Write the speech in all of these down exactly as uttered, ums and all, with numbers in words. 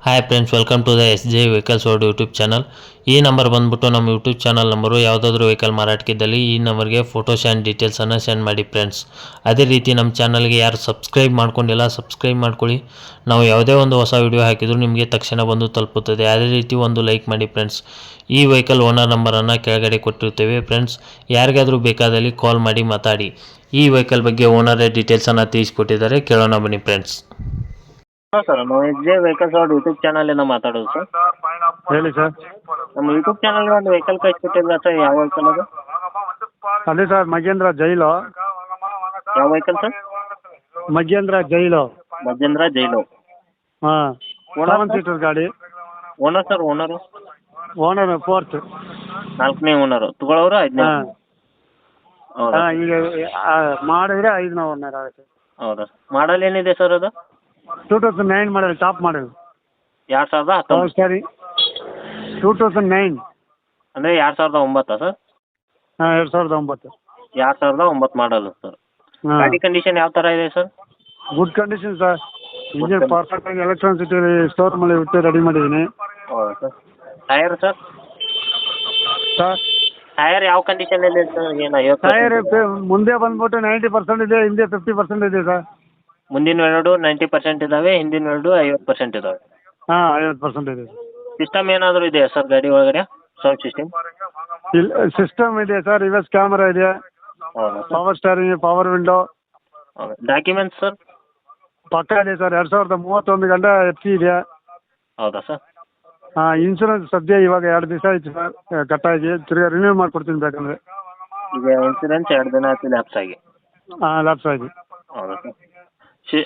Hi friends, welcome to the S J vehicles world YouTube channel. ಈ number ಬಂದ್ಬಿಟ್ಟು ನಮ್ಮ YouTube channel number. ಯಾವುದಾದ್ರೂ vehicle ಮಾರಾಟಕ್ಕಿದ್ದಲ್ಲಿ ಈ ನಂಬರ್ಗೆ ಫೋಟೋಸ್ ಆ್ಯಂಡ್ ಡೀಟೇಲ್ಸನ್ನು ಸೆಂಡ್ ಮಾಡಿ ಫ್ರೆಂಡ್ಸ್. ಅದೇ ರೀತಿ ನಮ್ಮ ಚಾನಲ್ಗೆ ಯಾರು ಸಬ್ಸ್ಕ್ರೈಬ್ ಮಾಡ್ಕೊಂಡಿಲ್ಲ ಸಬ್ಸ್ಕ್ರೈಬ್ ಮಾಡ್ಕೊಳ್ಳಿ. ನಾವು ಯಾವುದೇ ಒಂದು ಹೊಸ ವಿಡಿಯೋ ಹಾಕಿದರೂ ನಿಮಗೆ ತಕ್ಷಣ ಬಂದು ತಲುಪುತ್ತದೆ. ಅದೇ ರೀತಿ ಒಂದು ಲೈಕ್ ಮಾಡಿ ಫ್ರೆಂಡ್ಸ್. ಈ ವೆಹಿಕಲ್ ಓನರ್ ನಂಬರನ್ನು ಕೆಳಗಡೆ ಕೊಟ್ಟಿರ್ತೇವೆ ಫ್ರೆಂಡ್ಸ್. ಯಾರಿಗಾದರೂ ಬೇಕಾದಲ್ಲಿ ಕಾಲ್ ಮಾಡಿ ಮಾತಾಡಿ. ಈ ವೆಹಿಕಲ್ ಬಗ್ಗೆ ಓನರೇ ಡೀಟೇಲ್ಸನ್ನು ತಿಳಿಸ್ಕೊಟ್ಟಿದ್ದಾರೆ, ಕೇಳೋಣ ಬನ್ನಿ ಫ್ರೆಂಡ್ಸ್. ಹಾಂ ಸರ್, ನಾವು ಎಸ್ ಜೆ ವೆಹಿಕಲ್ಸ್ ಅವ್ರ ಯೂಟ್ಯೂಬ್ ಚಾನಲಿಂದ ಮಾತಾಡೋದು ಸರ್. ಹೇಳಿ ಸರ್. ನಮ್ಮ ಯೂಟ್ಯೂಬ್ ಚಾನಲ್ಗೆ ಒಂದು ವೆಹಿಕಲ್ ಕಳಿಸ್ಕೊಟ್ಟಿಲ್ಲ ಸರ್, ಯಾವ ವೆಹಿಕಲ್ ಅದು? ಅದೇ ಸರ್, ಮಗೇಂದ್ರ ಜೈಲು. ಯಾವ ವೆಹಿಕಲ್ ಸರ್? ಮಗೇಂದ್ರ ಜೈಲು. ಮಜೇಂದ್ರ ಜೈಲು. ಹಾಂ, ಓನರ್ ಸೆವೆನ್ ಸೀಟರ್ ಗಾಡಿ. Owner sir, owner owner fourth. ನಾಲ್ಕನೇ ಓನರು. ತಗೊಳ್ಳೋರು ಐದನೇ? ಹಾಂ ಹೌದಾ ಹಾಂ, ಈಗ ಆ, ಮಾಡಿದ್ರೆ ಐದನೇ ಓನರ್ ಆಗುತ್ತೆ. ಹೌದಾ ಮಾಡಲ್ ಏನಿದೆ ಸರ್ ಅದು? Two thousand nine model, top model. ಎರಡು ಸಾವಿರದ ಪವರ್ ಹತ್ತೊಂಬತ್ತು ಸ್ಟೇರಿಂಗ್. ಟೂ ತೌಸಂಡ್ ನೈನ್ ಅಂದರೆ ಎರಡು ಸಾವಿರದ ಒಂಬತ್ತಾ ಸರ್? ಹಾಂ, ಎರಡು ಸಾವಿರದ ಒಂಬತ್ತು. ಎರಡು ಸಾವಿರದ ಒಂಬತ್ತು ಮಾಡಲು ಸರ್. ಹಾಂ, ಗಾಡಿ ಕಂಡೀಷನ್ ಯಾವ ಥರ ಇದೆ sir? Good condition sir. Engine perfect ಆಗಿ ಎಲೆಕ್ಟ್ರಾನಿಸಿಟಿ ಸ್ಟೋರ್ ಮೇಲೆ ಬಿಟ್ಟು ರೆಡಿ ಮಾಡಿದ್ದೀನಿ ಹೌದಾ sir. Tyre sir? Sir. Tyre ಯಾವ ಕಂಡೀಷನಲ್ಲಿ ಇದೆ ಸರ್? ಏನು ಐವತ್ತು ಟೈರ್ ಮುಂದೆ ಬಂದ್ಬಿಟ್ಟು ನೈಂಟಿ ಪರ್ಸೆಂಟ್ ಇದೆ, ಹಿಂದೆ ಫಿಫ್ಟಿ ಪರ್ಸೆಂಟ್ ಇದೆ ಸರ್. ಮುಂದಿನ ಎರಡು ನೈಂಟಿ ಪರ್ಸೆಂಟ್ ಇದ್ದಾವೆ, ಹಿಂದಿನ ಎರಡು ಐವತ್ತು ಪರ್ಸೆಂಟ್ ಇದ್ದಾವೆ. ಹಾಂ, ಐವತ್ತು ಪರ್ಸೆಂಟ್ ಇದೆ. ಸಿಸ್ಟಮ್ ಏನಾದರೂ ಇದೆಯಾ ಸರ್ ಗಾಡಿ ಒಳಗಡೆ? Sound system? ಇಲ್ಲ, ಸಿಸ್ಟಮ್ ಇದೆ ಸರ್, ರಿವರ್ಸ್ ಕ್ಯಾಮರಾ ಇದೆ, ಹೌದಾ sir? Power steering, power window. ಹೌದಾ. Documents sir? ಪಕ್ಕ ಇದೆ ಸರ್. ಎರಡು ಸಾವಿರದ ಮೂವತ್ತೊಂದು ಗಂಟೆ ಎಫ್ ಸಿ ಇದೆ. ಹೌದಾ ಸರ್? ಹಾಂ, ಇನ್ಸೂರೆನ್ಸ್ ಸದ್ಯ ಇವಾಗ ಎರಡು ದಿವಸ ಆಯ್ತು ಸರ್ ಕಟ್ಟಾಗಿ. ತಿರ್ಗಿ ರಿನ್ಯೂ ಮಾಡಿಕೊಡ್ತೀನಿ ಬೇಕಂದರೆ. ಈಗ ಇನ್ಸೂರೆನ್ಸ್ ಎರಡು ದಿನ ಆಯ್ತು ಲ್ಯಾಪ್ಸ್ ಆಗಿ? ಹಾಂ, ಲ್ಯಾಪ್ಸ್ ಆಗಿ. ಹೌದಾ ಸರ್? ಶಿ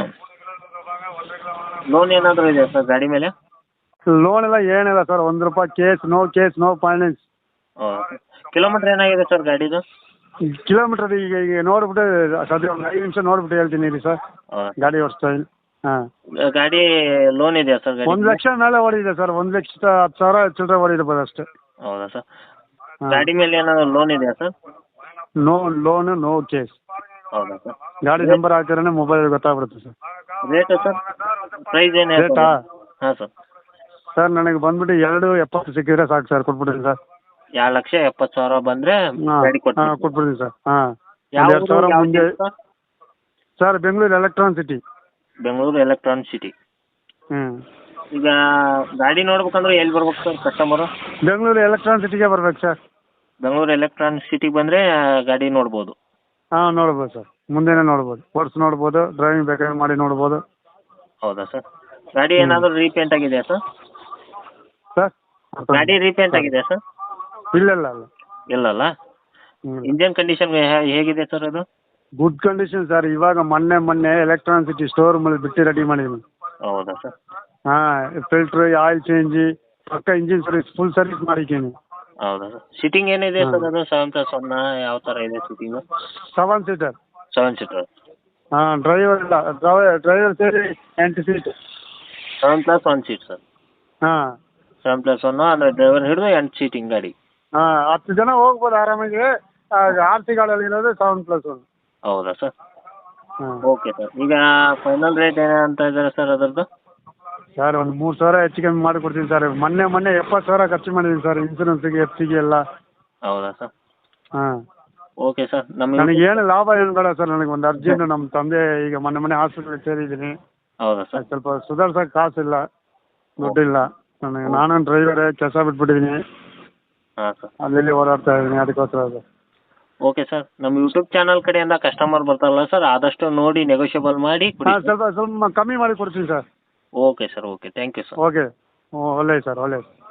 ಲೋನ್ ಏನಾದರೂ ಇದೆಯಾ ಸರ್ ಗಾಡಿ ಮೇಲೆ? ಲೋನ್ ಎಲ್ಲ ಏನಿಲ್ಲ ಸರ್, ಒಂದು ರೂಪಾಯಿ case, no case, no finance. ಹೌದಾ ಸರ್. ಕಿಲೋಮೀಟ್ರ್ ಏನಾಗಿದೆ ಸರ್ ಗಾಡಿದು? ಕಿಲೋಮೀಟರ್ ಈಗ ಈಗ ನೋಡ್ಬಿಟ್ಟು ಸದ್ಯ ಒಂದು ಐದು ನಿಮಿಷ ನೋಡ್ಬಿಟ್ಟು ಹೇಳ್ತೀನಿ ರೀ ಸರ್. ಹೌದಾ. ಗಾಡಿ ಓಡಿಸ್ತಾ ಇದ್ದೀನಿ. ಹಾಂ, ಗಾಡಿ ಲೋನ್ ಇದೆಯಾ ಸರ್ ಗಾಡಿ? ಒಂದು ಲಕ್ಷ ಮೇಲೆ ಓಡಿದೆ ಸರ್. ಒಂದು ಲಕ್ಷದ ಹತ್ತು ಸಾವಿರ ಚಿಲ್ಲರೆ ಓಡಿರ್ಬೋದು ಅಷ್ಟೇ. ಹೌದಾ ಸರ್. ಹಾಂ. ಗಾಡಿ ಮೇಲೆ ಏನಾದರೂ ಲೋನ್ ಇದೆಯಾ sir? No loan, no case. ಹೌದಾ ಸರ್. ಗಾಡಿ ನಂಬರ್ ಹಾಕಿದ್ರೆ ಮೊಬೈಲ್ ಗೊತ್ತಾಗ್ಬಿಡುತ್ತೆ ಸರ್. Rate sir? ಪ್ರೈಸ್ ಏನು? ರೇಟಾ? ಹಾಂ ಸರ್. ಸರ್, ನನಗೆ ಬಂದ್ಬಿಟ್ಟು ಎರಡು ಎಪ್ಪತ್ತು ಸಿಕ್ಕಿದ್ರೆ ಸಾಕು ಸರ್, ಕೊಟ್ಬಿಡ್ತೀನಿ ಸರ್. ಎರಡು ಲಕ್ಷ ಎಪ್ಪತ್ತು ಸಾವಿರ ಬಂದರೆ ಹಾಂ ಗಾಡಿ ಹಾಂ, ಕೊಟ್ಟು ಕೊಟ್ಬಿಡ್ತೀನಿ ಸರ್. ಹಾಂ, ಯಾವ ಒಂದು ಎರಡು ಸಾವಿರ ಯಾವ ಮುಂದೆ. City sir? Sir, Bengaluru electron city. Bengaluru electronic city. ಹ್ಞೂ, ಈಗ ಗಾಡಿ ನೋಡ್ಬೇಕಂದ್ರೆ ಎಲ್ಲಿ ಬರ್ಬೇಕು ಸರ್ ಕಸ್ಟಮರು? ಬೆಂಗಳೂರು ಎಲೆಕ್ಟ್ರಾನ್ ಸಿಟಿಗೆ ಬರ್ಬೇಕು ಸರ್. ಬೆಂಗಳೂರು ಎಲೆಕ್ಟ್ರಾನಿಕ್ ಸಿಟಿಗೆ ಬಂದರೆ ಗಾಡಿ ನೋಡ್ಬೋದು? ಹಾಂ, ನೋಡ್ಬೋದು ಸರ್. ಮುಂದೆನೇ ನೋಡ್ಬೋದು, ಓಡಿಸಿ ನೋಡ್ಬೋದು, ಡ್ರೈವಿಂಗ್ ಬೇಕಾದ್ರೆ ಮಾಡಿ ನೋಡ್ಬೋದು. ಹೌದಾ ಸರ್. ಗಾಡಿ ಏನಾದರೂ ರೀಪೇಂಟ್ ಆಗಿದೆಯಾ ಸರ್? ಸರ್, ಗಾಡಿ ರೀಪೇಂಟ್ ಆಗಿದೆಯಾ ಸರ್? ಇಲ್ಲ ಇಲ್ಲ ಇಲ್ಲ. ಇಲ್ಲಲ್ಲ. ಹ್ಞೂ, ಇಂಜನ್ ಕಂಡೀಷನ್ ಹೇಗಿದೆ ಸರ್ ಅದು? Good condition sir. ಇವಾಗ ಮೊನ್ನೆ ಮೊನ್ನೆ ಎಲೆಕ್ಟ್ರಾನ್ ಸಿಟಿ ಸ್ಟೋರ್ ಮೇಲೆ ಬಿಟ್ಟು ರೆಡಿ ಮಾಡಿದ್ದೀನಿ. ಹೌದಾ ಸರ್. ಹಾಂ, ಫಿಲ್ಟ್ರ್, ಆಯಿಲ್ ಚೇಂಜಿ, ಪಕ್ಕ ಇಂಜಿನ್ ಸರ್ವಿಸ್, ಫುಲ್ ಸರ್ವಿಸ್ ಮಾಡಿದ್ದೀನಿ. ಹೌದಾ ಸರ್. ಸಿಟ್ಟಿಂಗ್ ಏನಿದೆ ಸರ್ ಅದು? ಸೆವೆನ್ ಪ್ಲಸ್ ಒನ್ ಯಾವ ಥರ ಇದೆ sitting? Seven seater. Seven seater. ಹಾಂ, ಡ್ರೈವರ್ ಇಲ್ಲ, ಡ್ರೈವರ್ ಡ್ರೈವರ್ ಸೇರಿ ಎಂಟು seat. Seven plus one seat sir. ಹಾಂ ಸೆವೆನ್ ಪ್ಲಸ್ ಒನ್ನು ಅಂದರೆ ಡ್ರೈವರ್ ಹಿಡಿದು ಎಂಟು ಸೀಟಿಂಗ್ ಗಾಡಿ. ಹಾಂ, ಹತ್ತು ಜನ ಹೋಗ್ಬೋದು ಆರಾಮಾಗಿ. ಆರ್ ಸಿ ಗಾಡಿಯಲ್ಲಿ ಇರೋದು ಸೆವೆನ್ ಪ್ಲಸ್ ಒನ್. ಹೌದಾ ಸರ್. ಹಾಂ, ಓಕೆ ಸರ್. ಈಗ ಫೈನಲ್ ರೇಟ್ ಏನು ಅಂತ ಇದ್ದಾರೆ ಸರ್ ಅದರದ್ದು? ಸರ್, ಒಂದು ಮೂರು ಸಾವಿರ ಹೆಚ್ಚು ಕಮ್ಮಿ ಮಾಡಿಕೊಡ್ತೀನಿ ಸರ್. ಮೊನ್ನೆ ಮೊನ್ನೆ ಎಪ್ಪತ್ತು ಸಾವಿರ ಖರ್ಚು ಮಾಡಿದ್ದೀನಿ ಸರ್, ಇನ್ಸೂರೆನ್ಸಿಗೆ, ಎಫ್ ಸಿಗೆ ಎಲ್ಲ. ಹೌದಾ ಸರ್. ಹಾಂ, ಓಕೆ ಸರ್. ನಮಗೆ ನನಗೇನು ಲಾಭ ಏನು ಬೇಡ ಸರ್. ನನಗೆ ಒಂದು ಅರ್ಜೆಂಟ್, ನಮ್ಮ ತಂದೆ ಈಗ ಮೊನ್ನೆ ಮೊನ್ನೆ ಹಾಸ್ಪಿಟ್ಲಿಗೆ ಸೇರಿದ್ದೀನಿ. ಹೌದಾ ಸರ್. ಸ್ವಲ್ಪ ಸುಧಾರ್ಸೋಕೆ ಕಾಸಿಲ್ಲ, ದುಡ್ಡಿಲ್ಲ ನನಗೆ. ನಾನು ಡ್ರೈವರೇ, ಕೆಲಸ ಬಿಟ್ಬಿಟ್ಟಿದ್ದೀನಿ. ಹಾಂ ಸರ್. ಅಲ್ಲಿ ಓಡಾಡ್ತಾ ಇದ್ದೀನಿ, ಅದಕ್ಕೋಸ್ಕರ ಸರ್. Okay sir. ನಮ್ಮ ಯೂಟ್ಯೂಬ್ ಚಾನಲ್ ಕಡೆಯಿಂದ ಕಸ್ಟಮರ್ ಬರ್ತಾರಲ್ಲ ಸರ್, ಆದಷ್ಟು ನೋಡಿ ನೆಗೋಷಿಯಬಲ್ ಮಾಡಿ ಕೊಡಿ ಹಾಂ, ಸರ್. ಸ್ವಲ್ಪ ಸ್ವಲ್ಪ ಕಮ್ಮಿ ಮಾಡಿ ಕೊಡ್ತೀನಿ sir. Okay sir. Okay, thank you sir. Okay, ಒಳ್ಳೆಯ ಸರ್, ಒಳ್ಳೆಯ.